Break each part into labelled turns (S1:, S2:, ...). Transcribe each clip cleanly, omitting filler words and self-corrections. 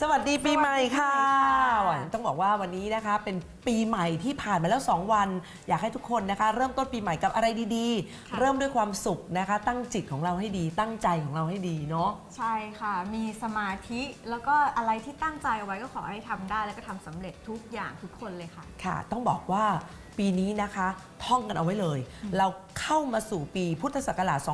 S1: สวัสดีปีใหม่ค่ะต้องบอกว่าวันนี้นะคะเป็นปีใหม่ที่ผ่านมาแล้ว2วันอยากให้ทุกคนนะคะเริ่มต้นปีใหม่กับอะไรดีๆเริ่มด้วยความสุขนะคะตั้งจิตของเราให้ดีตั้งใจของเราให้ดีเนาะ
S2: ใช่ค่ะมีสมาธิแล้วก็อะไรที่ตั้งใจเอาไว้ก็ขอให้ทำได้แล้วก็ทำสำเร็จทุกอย่างทุกคนเลยค่ะ
S1: ค่ะต้องบอกว่าปีนี้นะคะท่องกันเอาไว้เลยเราเข้ามาสู่ปีพุทธศักราช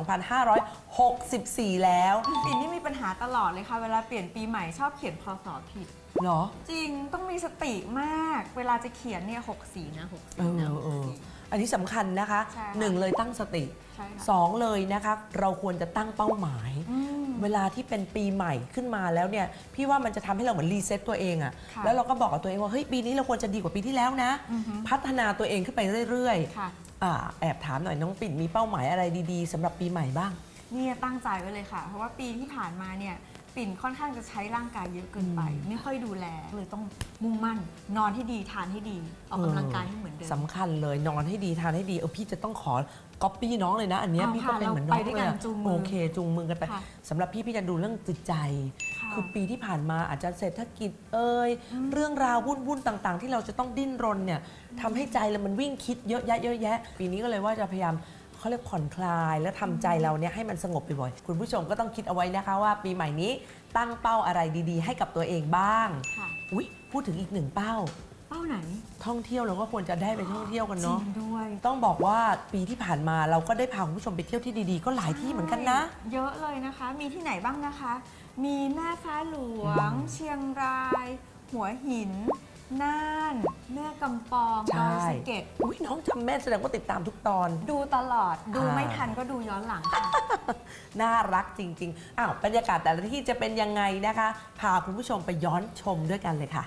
S1: 2564 แล้ว
S2: ปีนี้มีปัญหาตลอดเลยค่ะเวลาเปลี่ยนปีใหม่ชอบเขียนพศผิด
S1: เหรอ
S2: จริงต้องมีสติมากเวลาจะเขียนเนี่ย64นะ64นะ
S1: อันนี้สำคัญนะคะ
S2: ใช่ค่ะ
S1: 1เลยตั้งสติ
S2: ใช่ค่ะ
S1: 2เลยนะคะเราควรจะตั้งเป้าหมาย เวลาที่เป็นปีใหม่ขึ้นมาแล้วเนี่ยพี่ว่ามันจะทำให้เราเหมือนรีเซ็ตตัวเองอะ
S2: ค่ะ
S1: แล้วเราก็บอกกับตัวเองว่าเฮ้ยปีนี้เราควรจะดีกว่าปีที่แล้วนะ พัฒนาตัวเองขึ้นไปเรื่อย
S2: ค่ะ
S1: ๆแอบถามหน่อยน้องปิ่นมีเป้าหมายอะไรดีๆสำหรับปีใหม่บ้าง
S2: เนี่ยตั้งใจไว้เลยค่ะ เพราะว่าปีที่ผ่านมาเนี่ยปิ่นค่อนข้างจะใช้ร่างกายเยอะเกินไป ไม่ค่อยดูแลเลยต้องมุ่งมั่น นอนให้ดีทานให้ดีออกกำลังกายให้เหมือนเดิม
S1: สำคัญเลยนอนให้ดีทานให้ดีพี่จะต้องขอก๊อปปี้น้องเลยนะ อันเนี้ย
S2: เอา
S1: พี่ก็
S2: ค่ะ
S1: เป็นเหมือนน้
S2: เรา
S1: อง
S2: ไปด้วย
S1: เล
S2: กั
S1: ย
S2: น
S1: อะ
S2: จูงมือ
S1: โอเคจูงมือกันไป
S2: ค่ะ
S1: สำหรับพี่จะดูเรื่องจิตใจ
S2: ค่ะ
S1: คือปีที่ผ่านมาอาจจะเศรษฐกิจเรื่องราววุ่นๆต่างๆ ที่เราจะต้องดิ้นรนเนี่ยทำให้ใจเรามันวิ่งคิดเยอะแยะปีนี้ก็เลยว่าจะพยายามเขาเรียกผ่อนคลายและทำใจเราเนี่ยให้มันสงบบ่อยๆคุณผู้ชมก็ต้องคิดเอาไว้นะคะว่าปีใหม่นี้ตั้งเป้าอะไรดีๆ ให้กับตัวเองบ้าง
S2: ค่ะ
S1: อุ๊ยพูดถึงอีกหนึ่งเป้า
S2: เป้าไหน
S1: ท่องเที่ยวเราก็ควรจะได้ไปท่องเที่ยวกัน
S2: จริ
S1: เนาะ
S2: งด้วย
S1: ต้องบอกว่าปีที่ผ่านมาเราก็ได้พาคุณผู้ชมไปเที่ยวที่ดีๆ ก็หลายที่เหมือนกันนะ
S2: เยอะเลยนะคะ มีที่ไหนบ้างนะคะ มีแม่ฟ้าหลวง เชียงราย หัวหิน น่าน แม่กำปองดอยสะเก็ด
S1: อุ้ยน้องจำแม่นแสดงว่าติดตามทุกตอน
S2: ดูตลอด ดูไม่ทันก็ดูย้อนหลังค่ะ
S1: น่ารักจริงๆ บรรยากาศแต่ละที่จะเป็นยังไงนะคะ พาคุณผู้ชมไปย้อนชมด้วยกันเลยค่ะ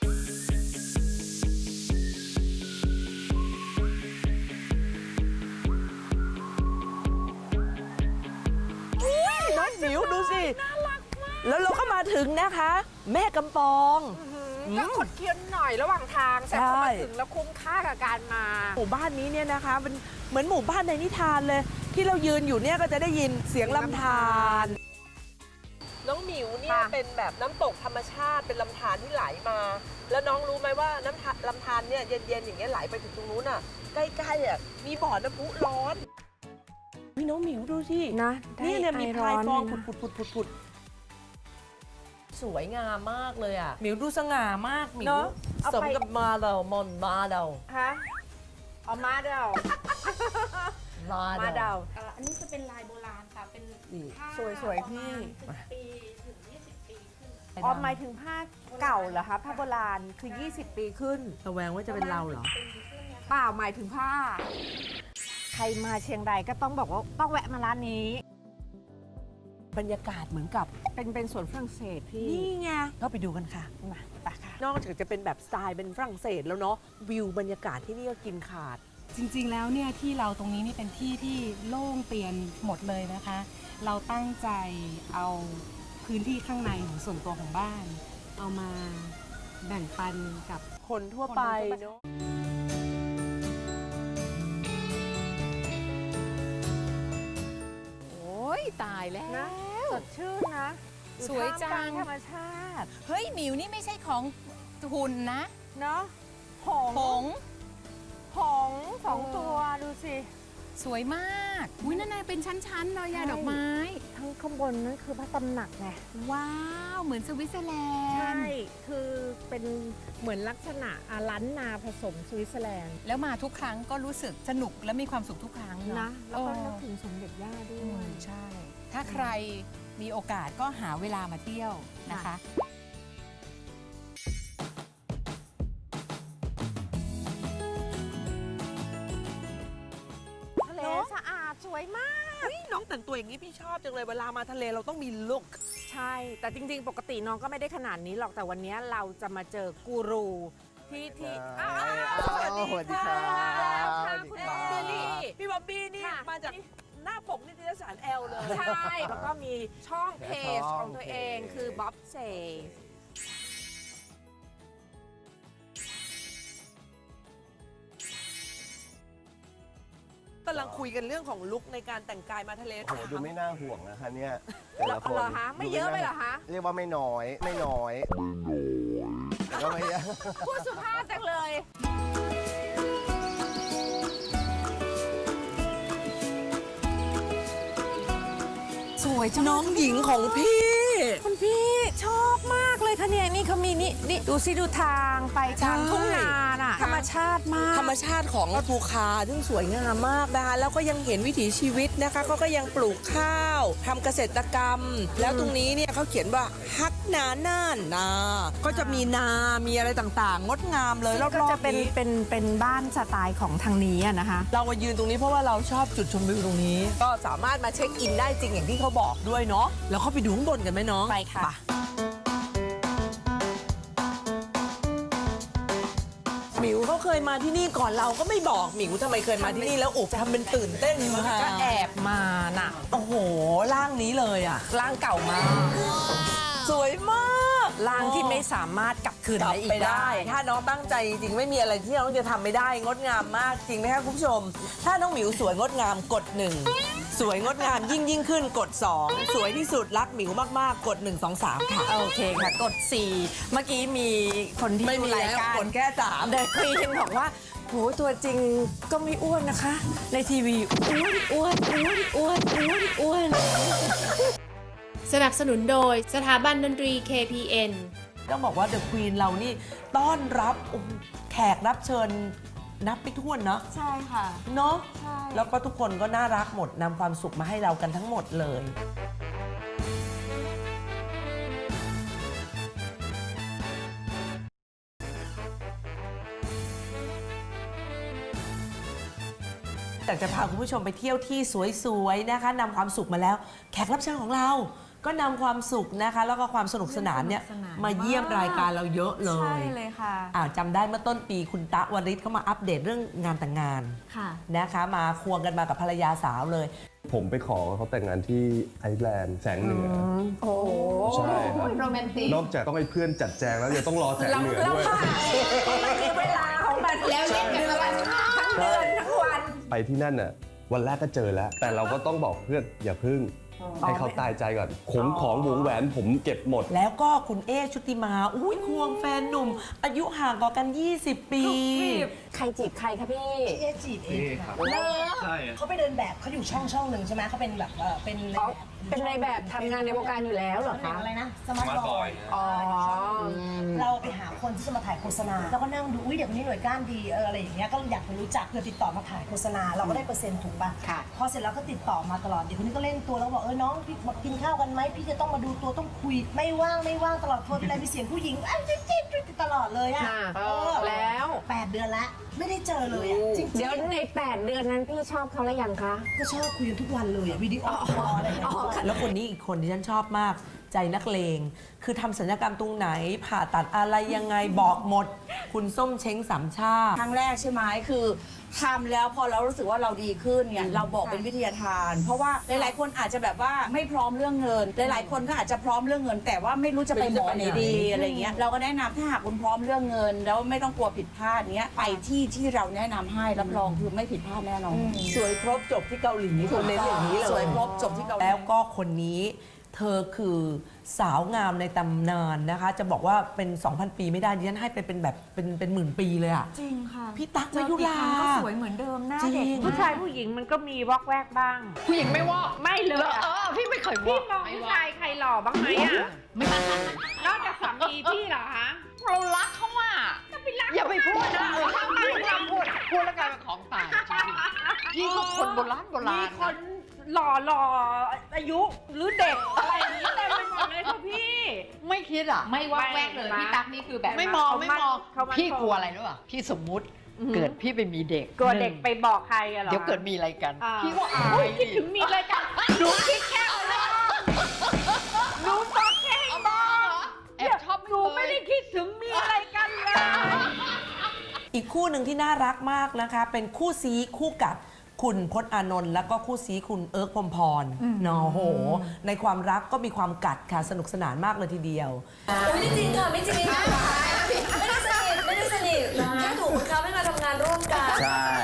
S1: น้องหมิวดูสิ น่ารักมาก แล้วเราก็มาถึงนะคะ แม่กำปอง
S3: ก็คดเคี้ยวหน่อยระหว่างทางแต่พอมาถึงแล้วคุ้มค่ากับการมา
S1: หมู่บ้านนี้เนี่ยนะคะเป็นเหมือนหมู่บ้านในนิทานเลย ที่เรายืนอยู่เนี่ยก็จะได้ยินเสียงลำธารน้องหมิวเนี่ย
S3: ค่ะ
S1: เป็นแบบน้ำตกธรรมชาติเป็นลำธารที่ไหลมา แล้วน้องรู้ไหมว่าลำธารเนี่ยเย็นๆอย่างเงี้ยไหลไปถึงตรงนู้นอ่ะใกล้ๆอ่ะมีบ่อน้ำพุร้อนพี่น้องหมิวดูสิ
S3: นะ
S1: เนี่ยมีพลายฟอง
S3: นะ
S1: ผุดสวยงามมากเลยอ่ะหมิวดูสง่ามากหมิว
S3: เนอะเอา
S1: สม
S3: ไป
S1: กับมาเรามอนมาเรา
S3: ฮะเอามาเดา มาเดา
S4: อันนี้จะเป็นลายโบราณค่ะ เป็น
S1: นี่
S4: ผ้า
S3: สวยๆพี่
S4: ประมาณ10 ปีถึง 20 ปีขึ้น
S3: อ๋อหมายถึงผ้าเก่าเหรอคะผ้าโบราณคือ 20 ปีขึ้น
S1: ระแวงว่าจะเป็นเราเหรอ
S3: เปล่าหมายถึงผ้า ใครมาเชียงรายก็ต้องบอกว่าต้องแวะมาร้านนี้
S1: บรรยากาศเหมือนกับ
S3: เป็นสวนฝรั่งเศสพี่
S1: นี่ไงก็ไปดูกันค่ะ
S3: มาไปค่ะ
S1: นอกจากจะเป็นแบบสไตล์เป็นฝรั่งเศสแล้วเนาะวิวบรรยากาศที่นี่ก็กินขาด
S4: จริงๆ แล้วเนี่ยที่เราตรงนี้นี่เป็นที่ที่โล่งเตียนหมดเลยนะคะ เราตั้งใจเอาพื้นที่ข้างในของส่วนตัวของบ้าน เอามาแบ่งปันกับ
S1: คนทั่วไปเนาะ
S5: โอ้ยตายแล้ว
S3: นะสดชื่นนะอ
S5: สวยจัง
S3: ท่ามกลาธรรมชาติ
S5: เฮ้ยหมิวนี่ไม่ใช่ของหุ่นนะ
S3: เนาะหง
S5: ผง
S3: หงสองตัวดูสิ
S5: สวยมากอุ้ยนั่นน่ะเป็นชั้นๆเลยอะ
S3: ใช่
S5: ดอกไม้
S3: ทั้งข้างบนนั่นคือพระตำหนักไง
S5: ว้าว เหมือนสวิตเซอร์แลนด์
S3: ใช่ คือเป็นเหมือนลักษณะล้านนาผสมสวิตเซอร์แลนด์
S5: แล้วมาทุกครั้งก็รู้สึกสนุกและมีความสุขทุกครั้ง
S3: นะ
S5: เนาะ
S3: แล้วก็นึก
S5: เออ
S3: ถึงสมเด็จย่าด้
S5: อื
S3: ว
S5: ม
S3: ย
S5: ใช่ ถ้าใครมีโอกาสก็หาเวลามาเที่ยวนะคะ
S3: ทะเลสะอาดสวยมาก
S1: เฮ้ยน้องแต่งตัวอย่างนี้พี่ชอบจังเลยเวลามาทะเลเราต้องมีลุค
S3: ใช่ แต่จริง ๆ ปกติน้องก็ไม่ได้ขนาดนี้หรอก แต่วันนี้เราจะมาเจอกูรูที่อ้าวสวัสดีค่ะคุณบ๊อบบี้
S1: พี่บ๊อบบี้นี่
S3: ค่ะ
S1: มาจากหน้าปกนิตยสารแอลเลย
S3: ใช่ แล้วก็มีช่องเพจของตัวเองคือบ๊อบเซ
S1: ตำลังคุยกันเรื่องของลุคในการแต่งกายมาทะเล
S6: โอ้โหดูไม่น่าห่วงนะคะเนี่ยแต่ละคน
S3: เหรอคะไม่เยอะไปเหรอคะ
S6: เรียกว่าไม่น้อยแต่ก็ไม่เยอะ
S3: พูดสุภาพจังเลย
S1: สวยน้องหญิงของพี่
S3: คุณพี่ชอบมากเลยค่ะเนี่ยนี่เขามีนี่ดูสิดูทางไปทางทุ่งนาน่ะธรรมชาติมาก
S1: ธรรมชาติของภูคาซึ่งสวยงามมากนะคะแล้วก็ยังเห็นวิถีชีวิตนะคะเขาก็ยังปลูกข้าวทำเกษตรกรรม แล้วตรงนี้เนี่ยเขาเขียนว่าฮักนาน่านนาก็จะมีนามีอะไรต่างๆ งดงามเลยร
S3: ก็
S1: อบ
S3: จะ
S1: ๆ
S3: เป็น
S1: นี้
S3: เป็นบ้านสไตล์ของทางนี้อะนะคะ
S1: เรามายืนตรงนี้เพราะว่าเราชอบจุดชมวิวตรงนี้ ก็สามารถมาเช็คอินได้จริงอย่างที่เขาบอกด้วยเนาะแล้วเข้าไปดูข้างบนกันไหมน้อง
S3: ไปค่ะ
S1: หมิวเขาเคยมาที่นี่ก่อนเราก็ไม่บอกหมิวทำไมเคยมาที่นี่แล้วอุบทำเป็นตื่นเต้นมา
S3: ก็แอบมาน่ะ
S1: โอ้โหร่างนี้เลยอ่ะ
S3: ร่างเก่ามาก
S1: สวยมาก
S3: ร่างที่ไม่สามารถกลับคืน
S1: กลับ
S3: ได้อี
S1: ไป
S3: ก
S1: ได้
S3: ได้
S1: ถ้าน้องตั้งใจจริงๆไม่มีอะไรที่น้องจะทำไม่ได้งดงามมากจริงไหมคะคุณผู้ชม ถ้าน้องหมิวสวยงดงามกด 1 สวยงดงามยิ่งขึ้นกด 2 สวยที่สุดรักหมิวมากๆกด 1 2 3 ค่ะ
S3: โอเคค่ะ กด 4 เมื่อกี้มีคนที่
S1: ไม่
S3: ดู
S1: มี
S3: ราย
S1: แล้ว
S3: การ
S1: กดแค่3
S3: เดินคุยกันบอกว่าโหตัวจริงก็ไม่อ้วนนะคะ ในทีวีอ้วน
S7: สนับสนุนโดยสถาบันดนตรี KPN
S1: ต้องบอกว่าเดอะควีนเรานี่ต้อนรับแขกรับเชิญนับไม่ถ้วนเนาะ
S2: ใช่ค่ะ
S1: เนาะ
S2: ใช่
S1: แล้วก็ทุกคนก็น่ารักหมดนำความสุขมาให้เรากันทั้งหมดเลย อยากจะพาคุณผู้ชมไปเที่ยวที่สวยๆนะคะนำความสุขมาแล้ว แขกรับเชิญของเรา ก็นำความสุขนะคะ แล้วก็ความสนุกสนานเนี่ยมาเยี่ยมรายการเราเยอะเล
S2: ใช่
S1: ย
S2: เลยค่ะ
S1: จำได้เมื่อต้นปีคุณตะวริศเขามาอัปเดตเรื่องงานแต่งงาน
S2: ค่ะ
S1: นะคะ มาควงกันมากับภรรยาสาวเลย
S6: ผมไปขอเขาแต่งงานที่ไอซ์แลนด์แสงเหนือ
S3: โอ้โห
S6: ใช่ครับ
S5: โรแมนติก
S6: นอกจากต้องให้เพื่อนจัดแจงแล้วยังต้องรอแสงเหนือ
S3: เรา
S6: ด้วย
S3: ค่ะมันคือเวลาของมันแล้วเล่นกันมาทั้งเดือนทั้งวัน
S6: ไปที่นั่นน่ะวันแรกก็เจอแล้ว แต่เราก็ต้องบอกเพื่อนอย่าพึ่งให้เขาตายใจก่อนของวงแหวนผมเก็บหมด
S1: แล้วก็คุณเอชุติมาอุ้ยควงแฟนหนุ่ม อายุห่างกว่ากัน 20 ปี
S3: ใครจีบใครคะพี่
S8: เอจีบเองค่ะเขาไปเดินแบบเขาอยู่ช่องหนึ่งใช่ไหมเขาเป็นแบบเป็น
S3: เป็นในแบบทำงานในวงการอยู่แล้วเหรอคะ
S8: อะไรนะสมาร์ทบอย
S3: อ๋อ
S8: เราไปหาคนที่จะมาถ่ายโฆษณาเราก็นั่งดูอุ้ยเด็กคนนี้หน่วยก้านดีอะไรอย่างเงี้ยก็อยากไปรู้จักเพื่อติดต่อมาถ่ายโฆษณาเราก็ได้เปอร์เซ็นต์ถูกป่ะ
S3: ค่ะ
S8: พอเสร็จแล้วก็ติดต่อมาตลอดเด็กคนนี้ก็เล่นตัวแล้วก็บอกน้องพี่มากินข้าวกันไหมพี่จะต้องมาดูตัวต้องคุยไม่ว่างตลอดโทรไปเลยมีเสียงผู้หญิงจิ๊บตลอดเลยอะ
S3: แล้ว
S8: 8 เดือนละไม่ได้เจอเลยอะจริงๆ
S3: เดี๋ยวใน 8 เดือนนั้นพี่ชอบเขาแล้วยังคะ
S8: ก็ชอบคุยกันทุกวันเลยอะวิดีโอคอลอะไรอย่างเงี้ย
S1: แล้วคนนี้อีกคนที่ฉันชอบมากใจนักเลง คือทำศัลยกรรมตรงไหน ผ่าตัดอะไรยังไงบอกหมด คุณส้มเช้งสามชาติ
S9: ครั้งแรกใช่ไหมคือทำแล้วพอเรารู้สึกว่าเราดีขึ้นเนี่ยเราบอกเป็นวิทยาทาน เพราะว่าหลายๆคนอาจจะแบบว่าไม่พร้อมเรื่องเงินหลายๆคนก็อาจจะพร้อมเรื่องเงิน แต่ว่าไม่รู้จะไปหมอไหนดีอะไรเงี้ยเราก็แนะนำถ้าหากคุณพร้อมเรื่องเงิน แล้วไม่ต้องกลัวผิดพลาดเนี้ยไปที่เราแนะนำให้รับรองคือไม่ผิดพลาดแน่นอน
S1: สวยครบจบที่เกาหลีคนเน้นอย่างนี้เลย
S9: สวยครบจบที่เกาหลี
S1: แล้วก็คนนี้เธอคือสาวงามในตำนานนะคะ จะบอกว่าเป็น 2,000 ปีไม่ได้ดิฉันให้ไปเป็นแบบเป็นหมื่นปีเลยอะ
S2: จริงค่ะ
S1: พี่ตั๊ก
S2: เจอ
S1: มายุรา
S2: กี่ครั้งก็สวยเหมือนเดิมหน้าเด็ก
S1: จริง
S3: ผู้ชายผู้หญิงมันก็มีวอกแวกบ้าง
S5: ผู้หญิงไม่วอก
S3: ไม่เลย
S5: พี่ไม่เคย
S3: พี่มองผู้ชายใครหล่อบ้างไหมอ่ะ
S5: ไม่มาน
S3: อกจากสามีพี่เหรอคะ
S5: เรารักเขาอ่ะ
S3: ก็ไปรัก
S5: อย่าไปพูดนะถ้าไม่เราพูดแล้วกลายเป็นของตายยิ่งกว่าคนโบราณ
S3: มีคนหล่ออายุหรือเด็กอะไรอย่างนี้เต็มไปหมดเลยค่ะพี่
S5: ไม่คิดอ่ะ ไม่ว่าแวกเลยพี่ตั๊กนี่คือแบบไม่มองพี่กลัวอะไรรู้ป่ะพี่สมมุติเกิดพี่ไปมีเด็ก
S3: กลัวเด็กไปบอกใครอะเหรอ
S5: เดี๋ยวเกิดมีอะไรกัน
S3: อ่า
S5: พี่ก็อาย
S3: คิดถึงมีอะไรกันหนูคิดแค่อะไรหนูบอกแค่ให้บอก
S5: แอบชอบ
S3: หนูไม่ได้คิดถึงมีอะไรกันเลย
S1: อีกคู่หนึ่งที่น่ารักมากนะคะ เป็นคู่ซีคู่กัดคุณพจน์อานนท์แล้วก็คู่ซีคุณเอิร์กพรหมพรเนาะโห ในความรักก็มีความกัดค่ะสนุกสนานมากเลยทีเดียว
S10: ไม่จริงค่ะไม่จริงไม่ได้สนิทแค่ถูกบังคับให้มาทำงานร่วมกัน
S6: ใช่
S10: เขาไม่อยากส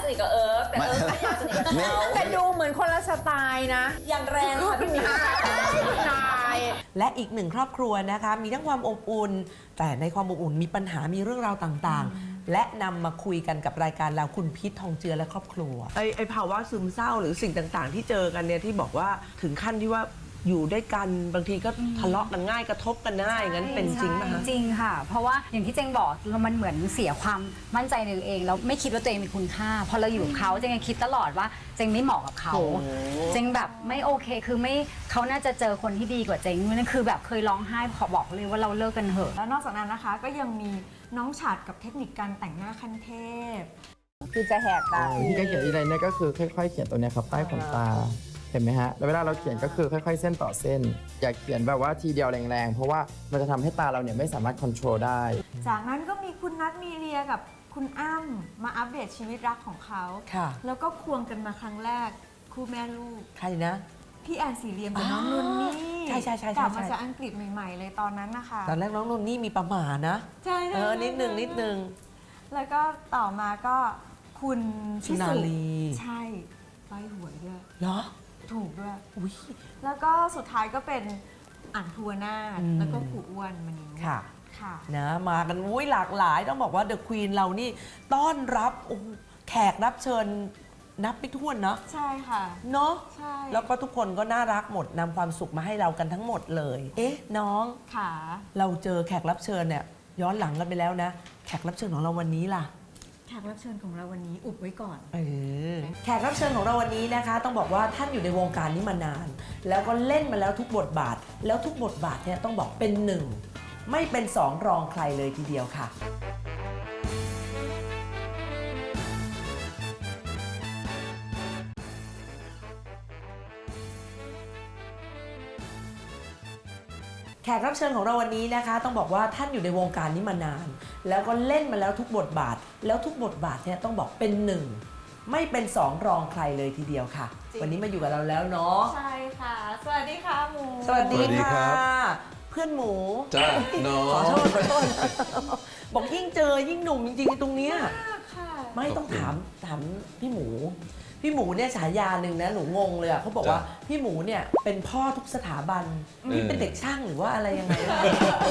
S10: นิทกับเอิร์ธแต่เอิร์ธไม่อยากสนิทกับเขา
S3: แต่ดูเหมือนคนละสไตล์นะ
S10: อย่างแรงค่ะพี่มิ้น
S3: นาย
S1: และอีกหนึ่งครอบครัวนะคะ มีทั้งความอบอุ่น แต่ในความอบอุ่นมีปัญหามีเรื่องราวต่างๆ และนำมาคุยกันกับรายการเราคุณพิษทองเจือและครอบครัวไอ้ภาวะซึมเศร้าหรือสิ่งต่างๆ ที่เจอกันเนี่ยที่บอกว่าถึงขั้นที่ว่าอยู่ด้วยกันบางทีก็ทะเลาะกันง่ายกระทบกันง่ายงั้นเป็นจริงไหมคะ
S11: จริงค่ะ เพราะว่าอย่างที่เจงบอกมันเหมือนเสียความมั่นใจในตัวเองแล้วไม่คิดว่าตัวเองมีคุณค่าพอเราอยู่กับเขาเจงยังคิดตลอดว่าเจงไม่เหมาะกับเขาเจงแบบไม่โอเคคือไม่เขาน่าจะเจอคนที่ดีกว่าเจงนั่นคือแบบเคยร้องไห้ขอบอกเลยว่าเราเลิกกันเถอะ
S2: แล้วนอกจากนั้นนะคะก็ยังมีน้องฉัดกับเทคนิคการแต่งหน้าขั้นเทพ
S11: คือจะแหกตา
S12: ที่ก็เขียนอีไรเนี่ยก็คือค่อยๆเขียนตัวเนี้ยครับใต้ขนตาเห็นไหมฮะแล้วเวลาเราเขียนก็คือค่อยๆเส้นต่อเส้น อย่าเขียนแบบว่าทีเดียวแรงๆเพราะว่ามันจะทำให้ตาเราเนี่ยไม่สามารถควบคุมได้
S2: จากนั้นก็มีคุณนัทมีเรียกับคุณอ้ำมาอัปเดตชีวิตรักของเขา
S1: ค่ะ
S2: แล้วก็ควงกันมาครั้งแรกคู่แม่ลูก
S1: ใครนะ
S2: พี่แอนสีเรียมกับน้องนุ่นนี่
S1: ใช่ๆๆๆ
S2: กลับมาจากอังกฤษใหม่ ๆ เลยตอนนั้นนะคะ
S1: ตอนแรกน้องนนนี่มีประหม่านะ
S2: ใช่
S1: นิดนึง
S2: แล้วก็ต่อมาก็คุณ
S1: สุนารี
S2: ใช่ใบหวยด้วย
S1: เหรอ
S2: ถูกด้วย
S1: อุ้ย
S2: แล้วก็สุดท้ายก็เป็นอ่างทัวนาถ
S1: อืม
S2: แล้วก็ขู่อ้วนมานิง
S1: ค่ะ
S2: ค่ะ
S1: นะมากันอุ้ยหลากหลายต้องบอกว่าเดอะควีนเรานี่ต้อนรับโอ้โหแขกรับเชิญนับไม่ถ้วนเนาะ
S2: ใช่ค่ะ
S1: เนาะ
S2: ใช่
S1: แล้วก็ทุกคนก็น่ารักหมดนำความสุขมาให้เรากันทั้งหมดเลย เอ๊ะน้อง
S2: ค่ะ
S1: เราเจอแขกรับเชิญเนี่ยย้อนหลังกันไปแล้วนะ แขกรับเชิญของเราวันนี้ล่ะ
S2: แขกรับเชิญของเราวันนี้อุบไว้ก่อน
S1: แขกรับเชิญของเราวันนี้นะคะ ต้องบอกว่าท่านอยู่ในวงการนี้มานาน แล้วก็เล่นมาแล้วทุกบทบาท แล้วทุกบทบาทเนี่ยต้องบอกเป็นหนึ่งไม่เป็นสองรองใครเลยทีเดียวค่ะ แขกรับเชิญของเราวันนี้นะคะ ต้องบอกว่าท่านอยู่ในวงการนี้มานาน แล้วก็เล่นมาแล้วทุกบทบาท แล้วทุกบทบาทเนี่ยต้องบอกเป็นหนึ่งไม่เป็นสองรองใครเลยทีเดียวค่ะ
S2: จริง
S1: วันนี้มาอยู่กับเราแล้วเนาะ
S2: ใช่ค่ะ สวัสดีค่ะหมู
S1: สวัสดี
S6: สวัสดี
S1: ค่ะ
S6: ครับ
S1: เพื่อนหมู
S6: จ้าน้อง
S1: ขอโทษ บอกยิ่งเจอยิ่งหนุ่มจริงๆตรงเนี้ย
S2: ค่ะ
S1: ไม่ต้องถามพี่หมู พี่หมูเนี่ยฉายาหนึ่งนะหนูงงเลยอะเขาบอกว่าพี่หมูเนี่ยเป็นพ่อทุกสถาบันนี่เป็นเด็กช่างหรือว่าอะไรยังไงวะ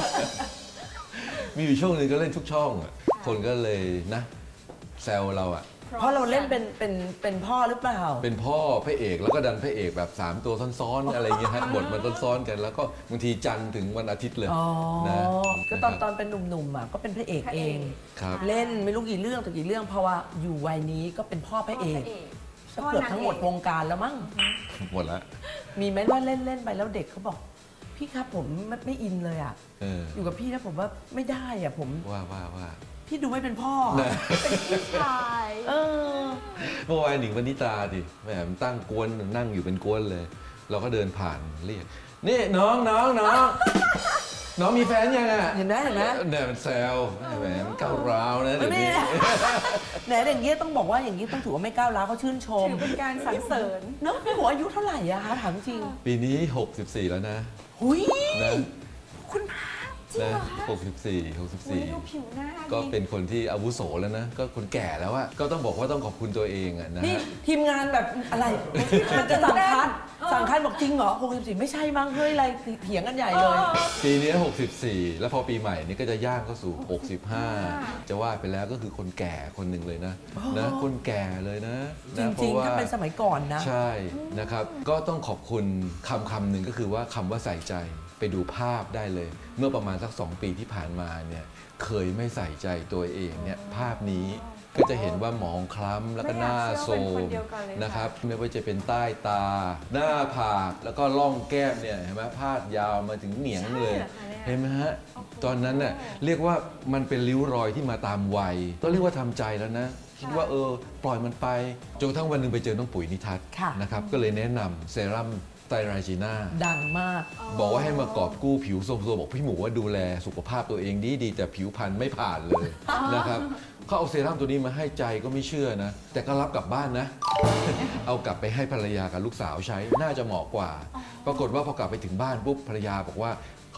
S13: มีอยู่ช่วงหนึงก็เล่นทุกช่องอะคนก็เลยนะแซวเราอะ
S1: เพราะเราเล่นเป็นพ่อหรือเปล่า
S13: เป็นพ่อพระเอกแล้วก็ดันพระเอกแบบ 3 ตัวซ้อนๆอะไรอย่างเงี้ยฮะบทมันซ้อนๆกัน แล้วก็บางทีจันทร์ถึงวันอาทิตย์เลย
S1: อ๋อ
S13: นะ
S1: ก็ตอนเป็นหนุ่มๆอ่ะก็เป็นพระเอกเอง
S13: ครับ
S1: เล่นไม่รู้กี่เรื่องต่อกี่เรื่องเพราะว่าอยู่วัยนี้ก็เป็นพ่อพระเอกก็เกือบทั้งหมดวงการแล้วมั้ง
S13: หมดละ
S1: มีไหมว่าเล่นไปแล้วเด็กเขาบอก พี่ครับผมไม่อินเลยอ่ะ
S13: เออ
S1: อยู่กับพี่นะผมว่าไม่ได้อ่ะผม
S13: ว่า
S1: พี่ดูไม่เป็นพ่อ
S13: นะ
S2: พี่ชาย
S1: เออ
S13: เมื่อวานหนิงปณิตาดิแหมมันตั้งกวนนั่งอยู่เป็นกวนเลย เราก็เดินผ่านเรียกนี่น้องน้องมีแฟนยังอ่ะ
S1: เห็นไหม
S13: เนี่ยมันแซวแหมมันก้าวร้าวนะเดี๋ยวนี้
S1: ไหนอย่างเงี้ยต้องบอกว่าอย่างนี้ต้องถือว่าไม่ก้าวร้าวเขาชื่นชม
S2: ถือเป็นการสรรเสริญ
S1: เนอะพี่หมูอายุเท่าไหร่อะคะถามจริง
S13: ปีนี้ 64 แล้วนะ
S1: หุย
S13: นะ
S1: คุณพระ
S13: นะ64
S2: ดูผิวหน้า
S13: ก็เป็นคนที่อาวุโสแล้วนะ ก็คนแก่แล้วอะก็ต้องบอกว่าต้องขอบคุณตัวเองอะนะ
S1: นี่
S13: ฮะ
S1: ทีมงานแบบอะไร มันจะสั่งคัดบอกจริงเหรอ64ไม่ใช่มั้งเฮ้ยอะไรเถียงกันใหญ่เลย
S13: ปีนี้ 64 แล้วพอปีใหม่นี้ก็จะย่างเข้าสู่ 65 จะว่าไปแล้วก็คือคนแก่คนหนึ่งเลยนะนะคนแก่เลยนะ
S1: จ
S13: นะ
S1: ริงๆถ้าเป็นสมัยก่อนนะ
S13: ใช่นะครับ ก็ต้องขอบคุณคำหนึ่งก็คือว่าคำว่าใส่ใจไปดูภาพได้เลย เมื่อประมาณสัก 2 ปีที่ผ่านมาเนี่ยเคยไม่ใส่ใจตัวเองเนี่ยภาพนี้ก็จะเห็นว่าหมองคล้ำแล้วก็หน้าโทรมนะครับไม่ว่าจะเป็นใต้ตา หน้าผากแล้วก็ร่องแก้มเนี่ยเห็นไหมพาดยาวมาถึงเหนียงเลย เห็นไหมฮะตอนนั้นน่ะเรียกว่ามันเป็นริ้วรอยที่มาตามวัยต้องเรียกว่าทำใจแล้วนะคิดว่าปล่อยมันไปจนกระทั่งวันหนึ่งไปเจอน้องปุ๋ยนิทัศน์
S1: ค่ะ
S13: นะครับก็เลยแนะนำเซรั่มไตรไรจีน่า
S1: ดังมาก
S13: บอกว่าให้มากอบกู้ผิวโซมๆบอกพี่หมูว่าดูแลสุขภาพตัวเองดีแต่ผิวพรรณไม่ผ่านเลยนะครับเขาเอาเซรั่มตัวนี้มาให้ใจก็ไม่เชื่อนะ แต่ก็รับกลับบ้านนะ เอากลับไปให้ภรรยากับลูกสาวใช้น่าจะเหมาะกว่า ปรากฏว่าพอกลับไปถึงบ้านปุ๊บภรรยาบอกว่าเขา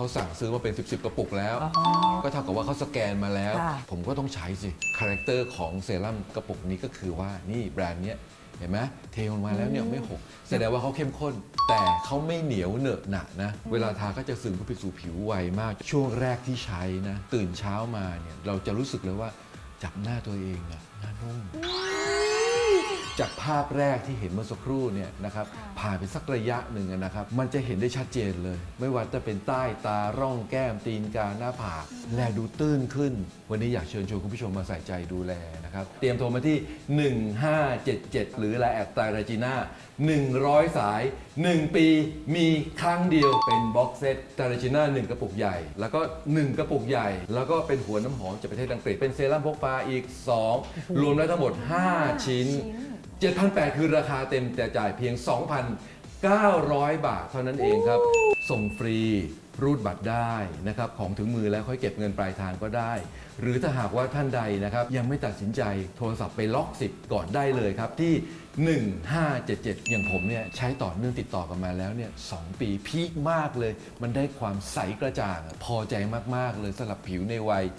S13: เขาสั่งซื้อมาเป็น10 กระปุกแล้ว ก็เท่ากับว่าเขาสแกนมาแล้ว
S1: ค่ะ
S13: ผมก็ต้องใช้สิคาแรคเตอร์ของเซรั่มกระปุกนี้ก็คือว่านี่แบรนด์เนี้ยเห็นไหมเทลงมาแล้วเนี่ยไม่หกแสดงว่าเขาเข้มข้น แต่เขาไม่เหนียวเหนอะหนะนะเวลาทาก็จะซึมเข้าไปสู่ผิวไวมาก ช่วงแรกที่ใช้นะตื่นเช้ามาเนี่ยเราจะรู้สึกเลยว่าจับหน้าตัวเองอะหน้านุ่มจากภาพแรกที่เห็นเมื่อสักครู่เนี่ยนะครับผ่านไปสักระยะหนึ่งนะครับมันจะเห็นได้ชัดเจนเลย ไม่ว่าจะเป็นใต้ตาร่องแก้มตีนกาหน้าผากแลดูตื้นขึ้น วันนี้อยากเชิญชวนคุณผู้ชมมาใส่ใจดูแลนะครับเตรียมโทรมาที่ 1577 หรือไลน์แอดไตรจีน่า100 สาย 1 ปีมีครั้งเดียวเป็นบ็อกเซตไตรจีน่า1กระปุกใหญ่ แล้วก็1กระปุกใหญ่ แล้วก็เป็นหัวน้ำหอมจากประเทศอังกฤษเป็นเซรั่มพกพาอีก 2 รวมแล้วทั้งหมด 5 ชิ้น 7,800 คือราคาเต็มแต่จ่ายเพียง 2,900 บาทเท่านั้นเองครับ ส่งฟรีรูดบัตรได้นะครับของถึงมือแล้วค่อยเก็บเงินปลายทางก็ได้ หรือถ้าหากว่าท่านใดนะครับยังไม่ตัดสินใจโทรศัพท์ไปล็อกสิทธิ์ก่อนได้เลยครับที่ 1577 อย่างผมเนี่ยใช้ต่อเนื่องติดต่อกันมาแล้วเนี่ย2 ปีพีคมากเลย มันได้ความใสกระจ่างพอใจมากๆเลยสำหรับผิวในวัย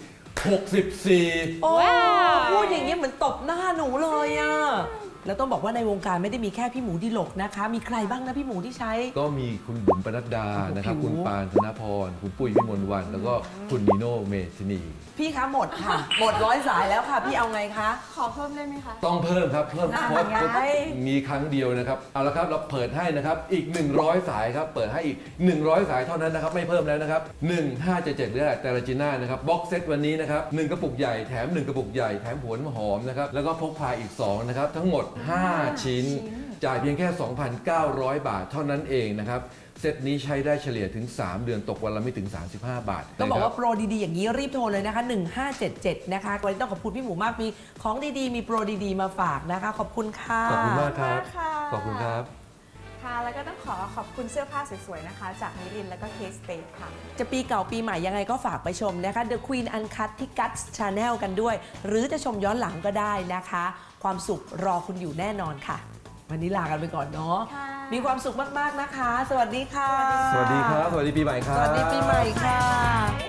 S13: 64
S1: โอ้พูดอย่างนี้เหมือนตบหน้าหนูเลยอะแล้วต้องบอกว่าในวงการไม่ได้มีแค่พี่หมูดิลกนะคะ มีใครบ้างนะพี่หมูที่ใช้
S13: ก็มีคุณบุ๋มปนัดดานะครับคุณปานธนพรคุณปุ้ยวิมลวรรณแล้วก็คุณนิโน่เมธินี
S1: พี่คะหมดค่ะ หมด100 สายแล้วค่ะ พี่เอาไงคะ
S2: ขอเพิ่มได้ไหมคะ
S13: ต้องเพิ่มครับเพิ่มเพราะ
S1: ไง
S13: มีครั้งเดียวนะครับเอาละครับเราเปิดให้นะครับอีก100 สายครับเปิดให้อีก100 สายเท่านั้นนะครับไม่เพิ่มแล้วนะครับ1577หรือแต่ละจีน่านะครับบ็อกเซตวันนี้นะครับ1กระปุกใหญ่แถม1กระปุกใหญ่แถมหัวน้ำหอมนะครับแล้วก็พกพาอีก2นะครับทั้งหมด5 ชิ้นจ่ายเพียงแค่ 2,900 บาทเท่านั้นเองนะครับเซตนี้ใช้ได้เฉลี่ยถึง3 เดือนตกวันละไม่ถึง35 บาท
S1: ต้องบอก
S13: นะครั
S1: ว่าโปรดีๆอย่างนี้รีบโทรเลยนะคะ 1577 นะคะวันนี้ต้องขอบคุณพี่หมูมากมีของดีๆ มีโปรดีๆมาฝากนะคะ ขอบคุณค่ะ
S13: ขอบคุณมากครับ
S2: ค่ะ
S13: ขอบคุณครับ
S2: ค่ะแล้วก็ต้องขอบคุณเสื้อผ้าสวยๆนะคะ จากมิลินแล้วก็เคสเตทค่ะ
S1: จะปีเก่าปีใหม่ยังไงก็ฝากไปชมนะคะ The Queen Uncut ที่ Guts Channel กันด้วย หรือจะชมย้อนหลังก็ได้นะคะ ความสุขรอคุณอยู่แน่นอนค่ะ วันนี้ลากันไปก่อนเนาะ
S2: ค่ะ
S1: มีความสุขมากๆนะคะ สวัสดีค่ะ
S13: สวัสดีครับ สวัสดีปีใหม่ครับ
S1: สวัสดีปีใหม่ค่ะ